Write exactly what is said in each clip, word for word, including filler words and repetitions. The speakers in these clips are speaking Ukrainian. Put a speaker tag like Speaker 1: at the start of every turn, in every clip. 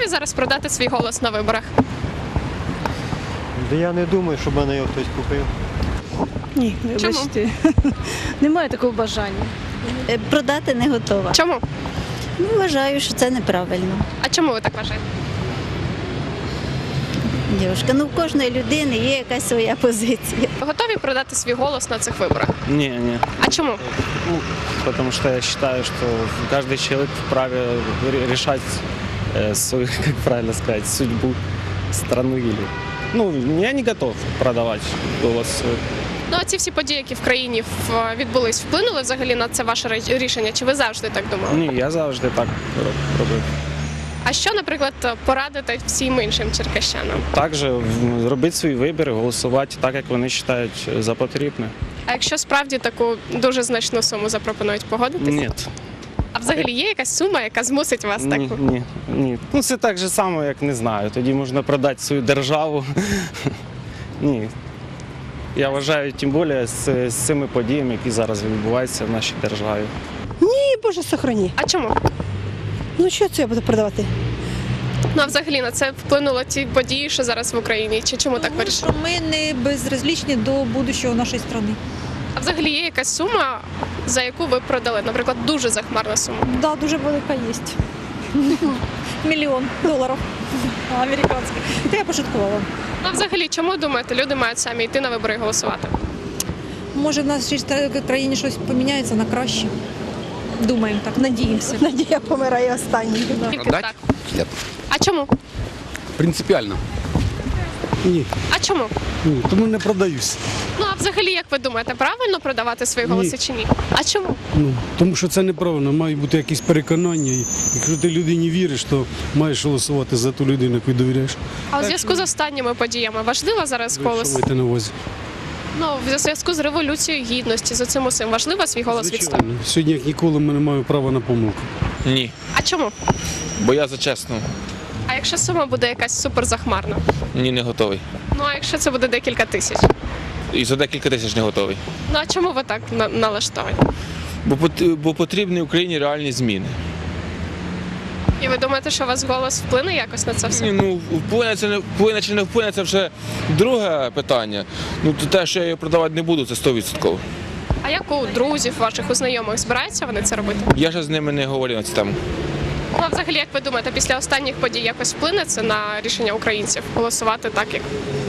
Speaker 1: готові зараз продати свій голос на виборах?
Speaker 2: Да я не думаю, щоб мене його хтось купив.
Speaker 3: Ні,
Speaker 1: Чому?
Speaker 3: вибачте. Немає такого бажання.
Speaker 4: Е, Продати не готова.
Speaker 1: Чому?
Speaker 4: Ну, вважаю, що це неправильно.
Speaker 1: А чому ви так вважаєте?
Speaker 4: Дівчинка, ну в кожної людини є якась своя позиція.
Speaker 1: Ви готові продати свій голос на цих виборах?
Speaker 5: Не, не.
Speaker 1: А чому?
Speaker 5: Ну, потому что я считаю, что каждый человек вправе ре- решать э, свою, как правильно сказать, судьбу страны или. Ну, я не готов продавать голос свой.
Speaker 1: Ну, а ці всі події, які в країні в- відбулись, вплинули взагалі на це ваше ре- рішення? Чи ви завжди так думали?
Speaker 5: Ні, я завжди так роб- робив.
Speaker 1: А що, наприклад, порадите всім іншим черкащанам?
Speaker 5: Також м, робити свій вибір, голосувати так, як вони вважають за потрібне.
Speaker 1: А якщо справді таку дуже значну суму запропонують, погодитись?
Speaker 5: Ні.
Speaker 1: А взагалі є якась сума, яка змусить вас
Speaker 5: Ні,
Speaker 1: таку?
Speaker 5: ні, ні. Ну це так же само, як не знаю. Тоді можна продати свою державу. Ні. Я вважаю, тим більше з, з цими подіями, які зараз відбуваються в нашій державі.
Speaker 3: Ні, Боже, сохрані.
Speaker 1: А чому?
Speaker 3: Ну що це я буду продавати?
Speaker 1: Ну а взагалі на це вплинуло ті події, що зараз в Україні? Чи чому так
Speaker 6: Тому
Speaker 1: вирішили?
Speaker 6: що ми не безразлічні до будущого нашої країни.
Speaker 1: А взагалі є якась сума, за яку ви продали? Наприклад, дуже захмарна сума.
Speaker 6: Да, дуже велика є. Мільйон доларів американських. Це я пошуткувала.
Speaker 1: Ну а взагалі, чому думаєте, люди мають самі йти на вибори і голосувати?
Speaker 6: Може, в нашій країні щось поміняється на краще. Думаємо так, надіємося.
Speaker 3: Надія помирає останній.
Speaker 1: Тільки
Speaker 7: Продать?
Speaker 1: так.
Speaker 7: Нет.
Speaker 1: А чому?
Speaker 7: Принципиально.
Speaker 8: Ні,
Speaker 1: А чому?
Speaker 8: ні, тому не продаюсь.
Speaker 1: Ну а взагалі, як ви думаєте, правильно продавати свої
Speaker 8: Ні.
Speaker 1: голоси чи ні? А чому?
Speaker 8: Ну, тому що це неправильно, мають бути якісь переконання. І якщо ти людині віриш, то маєш голосувати за ту людину, яку довіряєш.
Speaker 1: А у зв'язку з останніми подіями важливо зараз
Speaker 8: Ви що
Speaker 1: голос?
Speaker 8: маєте на увазі?
Speaker 1: Ну, в зв'язку з революцією гідності, з цим усім важливо свій голос відстоювати?
Speaker 8: Звичайно. Сьогодні, як ніколи, ми не маємо права на помилку.
Speaker 7: Ні.
Speaker 1: А чому?
Speaker 7: Бо я за чесно.
Speaker 1: А якщо сума буде якась суперзахмарна?
Speaker 7: Ні, не готовий.
Speaker 1: Ну а якщо це буде декілька тисяч?
Speaker 7: І за декілька тисяч не готовий.
Speaker 1: Ну а чому ви так на- налаштовані?
Speaker 7: Бо, пот- бо потрібні Україні реальні зміни.
Speaker 1: І ви думаєте, що у вас голос вплине якось на це все?
Speaker 7: Ні, ну, вплине, це не, вплине чи не вплине, це вже друге питання. Ну, то те, що я її продавати не буду, це сто відсотків.
Speaker 1: А як у друзів ваших, у знайомих збираються вони це робити?
Speaker 7: Я ще з ними не говорив на цю тему.
Speaker 1: Ну а взагалі, як ви думаєте, після останніх подій якось вплине це на рішення українців голосувати так, як?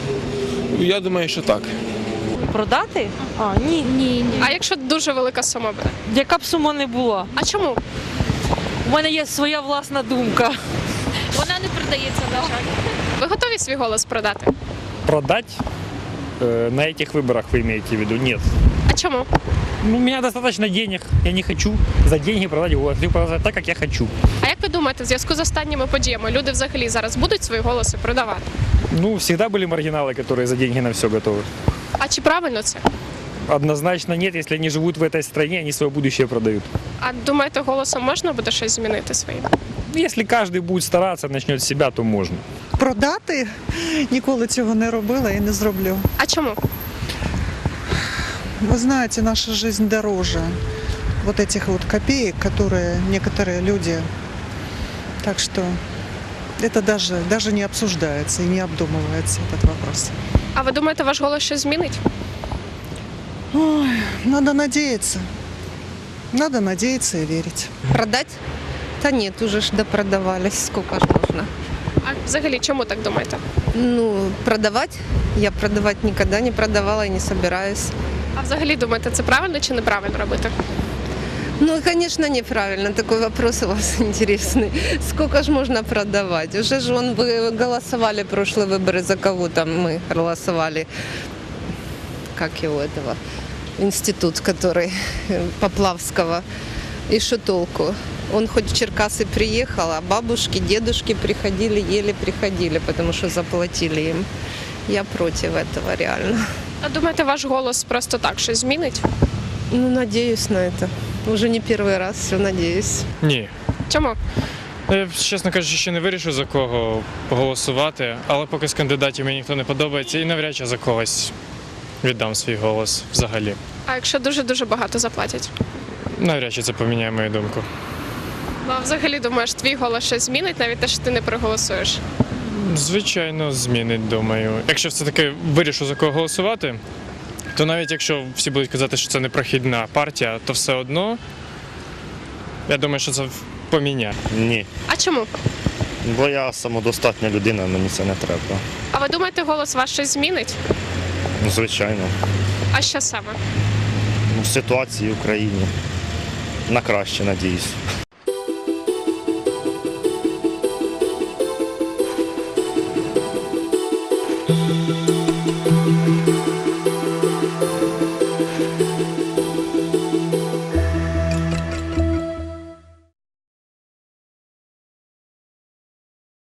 Speaker 7: Я думаю, що так.
Speaker 9: Продати? А, ні, ні, ні.
Speaker 1: А якщо дуже велика сума буде?
Speaker 9: Яка б сума не була?
Speaker 1: А чому?
Speaker 9: У мене є своя власна думка.
Speaker 1: Вона не продається, на жаль. Ви готові свій голос продати?
Speaker 10: Продать? Э, На этих выборах вы имеете в виду? Нет.
Speaker 1: А чому?
Speaker 10: Ну, у меня достаточно денег. Я не хочу за деньги продать голос. Я продать так, как я хочу.
Speaker 1: А як ви думаєте, в зв'язку з останніми подіями люди взагалі зараз будуть свої голоси продавати?
Speaker 10: Ну, всегда были маргиналы, которые за деньги на все готовы.
Speaker 1: А чи правильно це?
Speaker 10: Однозначно нет. Если они живут в этой стране, они свое будущее продают.
Speaker 1: А думаєте, голосом можна буде щось змінити своїм?
Speaker 10: Если каждый будет стараться, начнет с себя, то можно.
Speaker 11: Продати ніколи цього не робила і не зроблю.
Speaker 1: А чому?
Speaker 11: Вы знаете, наша жизнь дороже вот этих вот копеек, которые некоторые люди. Так что это даже, даже не обсуждается и не обдумывается этот вопрос.
Speaker 1: А ви думаєте, ваш голос щось змінить?
Speaker 11: Ой, надо надеяться. Надо надеяться и верить.
Speaker 12: Продать? Да нет, уже ж допродавались, сколько ж можно.
Speaker 1: А взагалі, чому так думаєте?
Speaker 12: Ну, продавать? Я продавать никогда не продавала и не собираюсь.
Speaker 1: А взагалі думаєте, це правильно чи неправильно робити?
Speaker 12: Ну, конечно, неправильно. Такой вопрос у вас интересный. Сколько ж можно продавать? Уже же он, вы голосовали прошлые выборы, за кого там мы голосовали? Как его этого? Институт, который Поплавского. И что толку? Он хоть в Черкасы приехал, а бабушки, дедушки приходили, еле приходили, потому что заплатили им. Я против этого реально.
Speaker 1: А думаєте, ваш голос просто так щось змінить?
Speaker 12: Ну, надеюсь на это. Уже не первый раз, все надеюсь.
Speaker 13: Ні.
Speaker 1: Чому?
Speaker 13: Я, чесно кажучи, ще не вирішив, за кого голосувати, але поки з кандидатів мені ніхто не подобається і навряд чи за когось віддам свій голос взагалі.
Speaker 1: А якщо дуже-дуже багато заплатять?
Speaker 13: Навряд чи це поміняє мою думку.
Speaker 1: Ну, а взагалі думаєш, твій голос щось змінить, навіть те, що ти не проголосуєш?
Speaker 13: Звичайно, змінить, думаю. Якщо все-таки вирішу за кого голосувати, то навіть якщо всі будуть казати, що це не прохідна партія, то все одно, я думаю, що це поміняє.
Speaker 14: Ні.
Speaker 1: А чому?
Speaker 14: Бо я самодостатня людина, мені це не треба.
Speaker 1: А ви думаєте, голос ваш щось змінить?
Speaker 14: Ну, звичайно.
Speaker 1: А що саме?
Speaker 14: Ну, ситуації в Україні. На краще, надіюсь.